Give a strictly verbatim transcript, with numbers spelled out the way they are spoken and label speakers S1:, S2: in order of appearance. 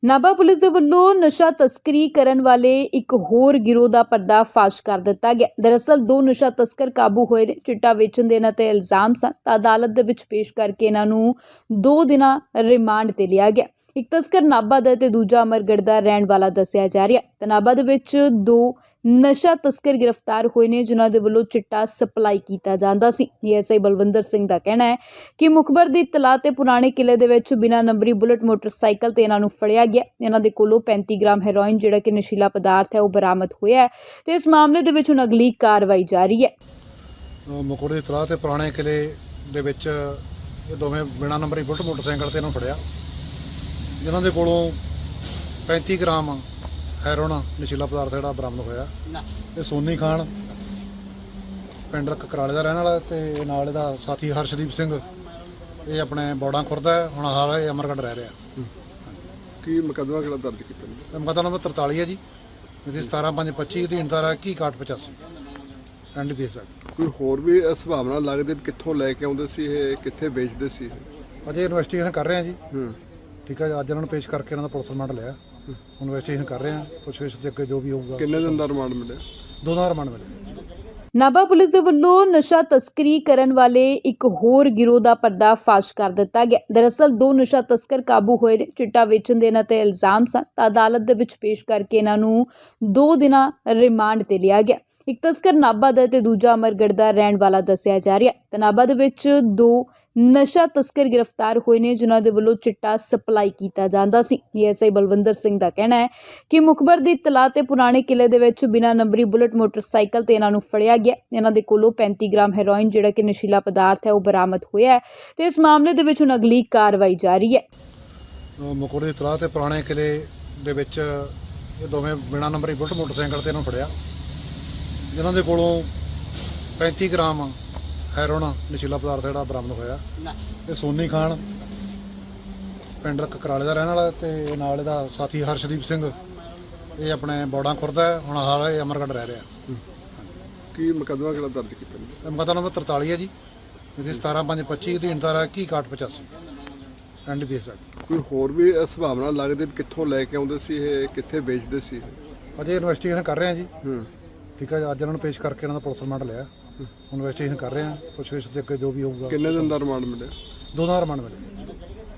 S1: Nabha police ਦੇ ਵੱਲੋਂ ਨਸ਼ਾ ਤਸਕਰੀ ਕਰਨ ਵਾਲੇ ਇੱਕ ਹੋਰ ਗਿਰੋਹ ਦਾ ਪਰਦਾਫਾਸ਼ ਕਰ ਦਿੱਤਾ ਗਿਆ। ਦਰਅਸਲ ਦੋ ਨਸ਼ਾ ਤਸਕਰ ਕਾਬੂ ਹੋਏ ਨੇ। ਚਿੱਟਾ ਵੇਚਣ ਦੇ ਇਹਨਾਂ ਤੇ ਇਲਜ਼ਾਮ ਸਨ ਤਾਂ ਅਦਾਲਤ ਦੇ ਵਿੱਚ ਪੇਸ਼ ਕਰਕੇ ਇਹਨਾਂ ਨੂੰ ਦੋ ਦਿਨਾਂ ਰਿਮਾਂਡ ਤੇ ਲਿਆ ਗਿਆ। ਇੱਕ ਤਸਕਰ ਨਾਭਾ ਦਾ ਤੇ ਦੂਜਾ ਅਮਰਗੜ੍ਹ ਦਾ ਰਹਿਣ ਵਾਲਾ ਦੱਸਿਆ ਜਾ ਰਿਹਾ। ਤਾਂ ਨਾਭਾ ਦੇ ਵਿੱਚ ਦੋ ਨਸ਼ਾ ਤਸਕਰ ਗ੍ਰਿਫਤਾਰ ਹੋਏ ਨੇ ਜਿਨ੍ਹਾਂ ਦੇ ਵੱਲੋਂ ਚਿੱਟਾ ਸਪਲਾਈ ਕੀਤਾ ਜਾਂਦਾ ਸੀ। ਏਐਸਆਈ ਬਲਵਿੰਦਰ ਸਿੰਘ ਦਾ ਕਹਿਣਾ ਹੈ ਕਿ ਮੁਖਬਰ ਦੀ ਇਤਲਾਹ ਤੇ ਪੁਰਾਣੇ ਕਿਲੇ ਦੇ ਵਿੱਚ ਬਿਨਾਂ ਨੰਬਰੀ ਬੁਲਟ ਮੋਟਰਸਾਈਕਲ ਤੇ ਇਹਨਾਂ ਨੂੰ ਫੜਿਆ ਗਿਆ। ਇਹਨਾਂ ਦੇ ਕੋਲੋਂ ਪੈਂਤੀ ਗ੍ਰਾਮ ਹੈਰੋਇਨ ਜਿਹੜਾ ਕਿ ਨਸ਼ੀਲਾ ਪਦਾਰਥ ਹੈ ਉਹ ਬਰਾਮਦ ਹੋਇਆ ਹੈ ਤੇ ਇਸ ਮਾਮਲੇ ਦੇ ਵਿੱਚ ਹੁਣ ਅਗਲੀ ਕਾਰਵਾਈ ਜਾਰੀ ਹੈ।
S2: ਮੁਖਬਰ ਦੀ ਇਤਲਾਹ ਤੇ ਪੁਰਾਣੇ ਕਿਲੇ ਦੇ ਵਿੱਚ ਇਹ ਦੋਵੇਂ ਬਿਨਾਂ ਨੰਬਰੀ ਬੁਲਟ ਮੋਟਰਸਾਈਕਲ ਤੇ ਇਹਨਾਂ ਨੂੰ ਫੜਿਆ, ਜਿਨ੍ਹਾਂ ਦੇ ਕੋਲੋਂ ਪੈਂਤੀ ਗ੍ਰਾਮ ਹੈਰੋਇਨ ਨਸ਼ੀਲਾ ਪਦਾਰਥ ਜਿਹੜਾ ਬਰਾਮਦ ਹੋਇਆ। ਇਹ ਸੋਨੀ ਖਾਨ ਪਿੰਡ ਕਕਰਾਲੇ ਦਾ ਰਹਿਣ ਵਾਲਾ ਤੇ ਨਾਲ ਇਹਦਾ ਸਾਥੀ ਹਰਸ਼ਦੀਪ ਸਿੰਘ, ਇਹ ਆਪਣੇ ਬੌੜਾਂ ਖੁਰਦ ਹੈ, ਹੁਣ ਹਾਲ ਇਹ ਅਮਰਗੜ੍ਹ ਰਹਿ ਰਿਹਾ।
S3: ਕੀ ਮੁਕੱਦਮਾ ਕਿਹੜਾ ਦਰਜ ਕੀਤਾ ਜੀ?
S2: ਇਹ ਮੁਕੱਦਮਾ ਨੰਬਰ ਤਰਤਾਲੀ ਹੈ ਜੀ, ਇਹਦੀ ਸਤਾਰਾਂ ਪੰਜ ਪੱਚੀ ਅਧੀਨ ਧਾਰਾ ਇੱਕੀ ਇਕਾਹਠ ਪਚਾਸੀ N D P S act.
S3: ਕੋਈ ਹੋਰ ਵੀ ਸੰਭਾਵਨਾ ਲੱਗਦੀ ਵੀ ਕਿੱਥੋਂ ਲੈ ਕੇ ਆਉਂਦੇ ਸੀ, ਇਹ ਕਿੱਥੇ ਵੇਚਦੇ ਸੀ?
S2: ਅਜੇ ਇਨਵੈਸਟੀਗੇਸ਼ਨ ਕਰ ਰਹੇ ਹਾਂ ਜੀ।
S3: ਹੂੰ
S2: ਠੀਕ ਹੈ ਜੀ, ਅੱਜ ਇਹਨਾਂ ਨੂੰ ਪੇਸ਼ ਕਰਕੇ ਇਹਨਾਂ ਦਾ ਪੁਲਿਸ ਰਿਮਾਂਡ ਲਿਆ। ਇਨਵੈਸਟੀਗੇਸ਼ਨ ਕਰ ਰਹੇ ਹਾਂ, ਪੁੱਛਗਿੱਛ ਦੇ ਅੱਗੇ ਜੋ ਵੀ ਹੋਊਗਾ।
S3: ਕਿੰਨੇ ਦਿਨ ਦਾ ਰਿਮਾਂਡ ਮਿਲਿਆ?
S2: ਦੋ ਦਿਨ ਦਾ ਰਿਮਾਂਡ ਮਿਲਿਆ।
S1: ਨਾਭਾ ਪੁਲਿਸ ਦੇ ਵੱਲੋਂ ਨਸ਼ਾ ਤਸਕਰੀ ਕਰਨ ਵਾਲੇ ਇੱਕ ਹੋਰ ਗਿਰੋਹ ਦਾ ਪਰਦਾਫਾਸ਼ ਕਰ ਦਿੱਤਾ ਗਿਆ। ਦਰਅਸਲ ਦੋ ਨਸ਼ਾ ਤਸਕਰ ਕਾਬੂ ਹੋਏ ਨੇ। ਚਿੱਟਾ ਵੇਚਣ ਦੇ ਇਹਨਾਂ ਤੇ ਇਲਜ਼ਾਮ ਸਨ ਤਾਂ ਅਦਾਲਤ ਦੇ ਵਿੱਚ ਪੇਸ਼ ਕਰਕੇ ਇਹਨਾਂ ਨੂੰ ਦੋ ਦਿਨਾਂ ਰਿਮਾਂਡ ਤੇ ਲਿਆ ਗਿਆ। ਇੱਕ ਤਸਕਰ ਨਾਭਾ ਦਾ ਤੇ ਦੂਜਾ ਅਮਰਗੜ੍ਹ ਦਾ ਰਹਿਣ ਵਾਲਾ ਦੱਸਿਆ ਜਾ ਰਿਹਾ। ਤਾਂ ਨਾਭਾ ਦੇ ਵਿੱਚ ਦੋ ਨਸ਼ਾ ਤਸਕਰ ਗ੍ਰਿਫਤਾਰ ਹੋਏ ਨੇ ਜਿਨ੍ਹਾਂ ਦੇ ਵੱਲੋਂ ਚਿੱਟਾ ਸਪਲਾਈ ਕੀਤਾ ਜਾਂਦਾ ਸੀ। ਏਐਸਆਈ ਬਲਵਿੰਦਰ ਸਿੰਘ ਦਾ ਕਹਿਣਾ ਹੈ ਕਿ ਮੁਖਬਰ ਦੀ ਇਤਲਾਹ ਤੇ ਪੁਰਾਣੇ ਕਿਲੇ ਦੇ ਵਿੱਚ ਬਿਨਾਂ ਨੰਬਰੀ ਬੁਲਟ ਮੋਟਰਸਾਈਕਲ ਤੇ ਇਹਨਾਂ ਨੂੰ ਫੜਿਆ ਗਿਆ। ਇਹਨਾਂ ਦੇ ਕੋਲੋਂ ਪੈਂਤੀ ਗ੍ਰਾਮ ਹੈਰੋਇਨ ਜਿਹੜਾ ਕਿ ਨਸ਼ੀਲਾ ਪਦਾਰਥ ਹੈ ਉਹ ਬਰਾਮਦ ਹੋਇਆ ਹੈ ਤੇ ਇਸ ਮਾਮਲੇ ਦੇ ਵਿੱਚ ਹੁਣ ਅਗਲੀ ਕਾਰਵਾਈ ਜਾਰੀ ਹੈ।
S2: ਮੁਖਬਰ ਦੀ ਇਤਲਾਹ ਤੇ ਪੁਰਾਣੇ ਕਿਲੇ ਦੇ ਵਿੱਚ ਇਹ ਦੋਵੇਂ ਬਿਨਾਂ ਨੰਬਰੀ ਬੁਲਟ ਮੋਟਰਸਾਈਕਲ ਤੇ ਇਹਨਾਂ ਨੂੰ ਫੜਿਆ, ਜਿਨ੍ਹਾਂ ਦੇ ਕੋਲੋਂ ਪੈਂਤੀ ਗ੍ਰਾਮ ਹੈਰੋਇਨ ਨਸ਼ੀਲਾ ਪਦਾਰਥ ਜਿਹੜਾ ਬਰਾਮਦ ਹੋਇਆ। ਇਹ ਸੋਨੀ ਖਾਨ ਪਿੰਡ ਕਕਰਾਲੇ ਦਾ ਰਹਿਣ ਵਾਲਾ ਤੇ ਨਾਲ ਇਹਦਾ ਸਾਥੀ ਹਰਸ਼ਦੀਪ ਸਿੰਘ, ਇਹ ਆਪਣੇ ਬੌੜਾਂ ਖੁਰਦ ਹੈ, ਹੁਣ ਹਾਲ ਇਹ ਅਮਰਗੜ੍ਹ ਰਹਿ ਰਿਹਾ।
S3: ਕੀ ਮੁਕੱਦਮਾ ਕਿਹੜਾ ਦਰਜ ਕੀਤਾ ਜੀ?
S2: ਇਹ ਮੁਕੱਦਮਾ ਨੰਬਰ ਤਰਤਾਲੀ ਹੈ ਜੀ, ਇਹਦੀ ਸਤਾਰਾਂ ਪੰਜ ਪੱਚੀ ਅਧੀਨ ਧਾਰਾ ਇੱਕੀ ਇਕਾਹਠ ਪਚਾਸੀ N D P S act.
S3: ਕੋਈ ਹੋਰ ਵੀ ਸੰਭਾਵਨਾ ਲੱਗਦੀ ਵੀ ਕਿੱਥੋਂ ਲੈ ਕੇ ਆਉਂਦੇ ਸੀ, ਇਹ ਕਿੱਥੇ ਵੇਚਦੇ ਸੀ?
S2: ਅਜੇ ਇਨਵੈਸਟੀਗੇਸ਼ਨ ਕਰ ਰਹੇ ਹਾਂ ਜੀ।
S3: ਹੂੰ
S2: ਠੀਕ ਹੈ ਜੀ, ਅੱਜ ਇਹਨਾਂ ਨੂੰ ਪੇਸ਼ ਕਰਕੇ ਇਹਨਾਂ ਦਾ ਪੁਲਿਸ ਰਿਮਾਂਡ ਲਿਆ। ਇਨਵੈਸਟੀਗੇਸ਼ਨ ਕਰ ਰਹੇ ਹਾਂ, ਪੁੱਛਗਿੱਛ ਦੇ ਅੱਗੇ ਜੋ ਵੀ ਹੋਊਗਾ।
S3: ਕਿੰਨੇ ਦਿਨ ਦਾ ਰਿਮਾਂਡ ਮਿਲਿਆ?
S2: ਦੋ ਦਿਨ ਦਾ ਰਿਮਾਂਡ ਮਿਲਿਆ।